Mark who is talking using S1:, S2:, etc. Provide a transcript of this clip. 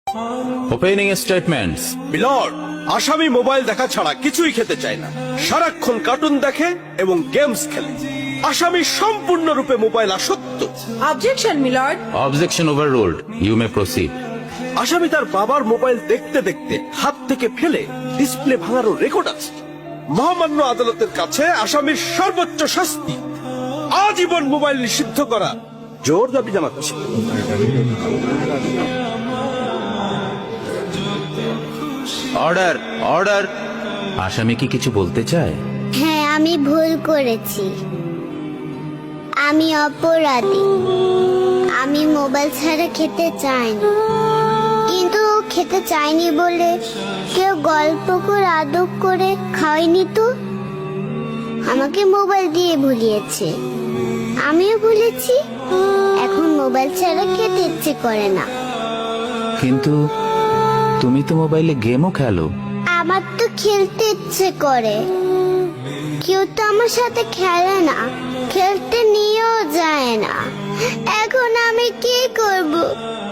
S1: Opening statements.
S2: Milord, আসামি mobile দেখা ছাড়া কিছুই খেতে চায় না, সারাক্ষণ কার্টুন দেখে এবং গেমস খেলে। আসামি সম্পূর্ণরূপে মোবাইল আসক্ত।
S3: Objection milord.
S1: Objection overruled, you may proceed.
S2: আসামি তার বাবার মোবাইল দেখতে দেখতে হাত থেকে ফেলে ডিসপ্লে ভাঙারও রেকর্ড আছে। মহামান্য আদালতের কাছে আসামির সর্বোচ্চ শাস্তি আজীবন মোবাইল নিষিদ্ধ করা জোর দাবি জানাচ্ছি।
S1: Order, order. আসামি কি কিছু বলতে চায়?
S4: হ্যাঁ, আমি ভুল করেছি, আমি অপরাধী। আমি মোবাইল ছাড়া খেতে চাইনি, কিন্তু খেতে চাইনি বলে কেউ গল্প করে আদব করে খাওয়াইনি তো। আমাকে মোবাইল দিয়ে ভুলিয়েছে, আমিও ভুলেছি। এখন মোবাইল ছাড়া খেতে ইচ্ছে করে না।
S1: কিন্তু তুমি তো মোবাইলে গেমও খেলো।
S4: আমার তো খেলতে ইচ্ছে করে, কেউ তো আমার সাথে খেলে না, খেলতে নিয়েও যায় না। এখন আমি কি করব?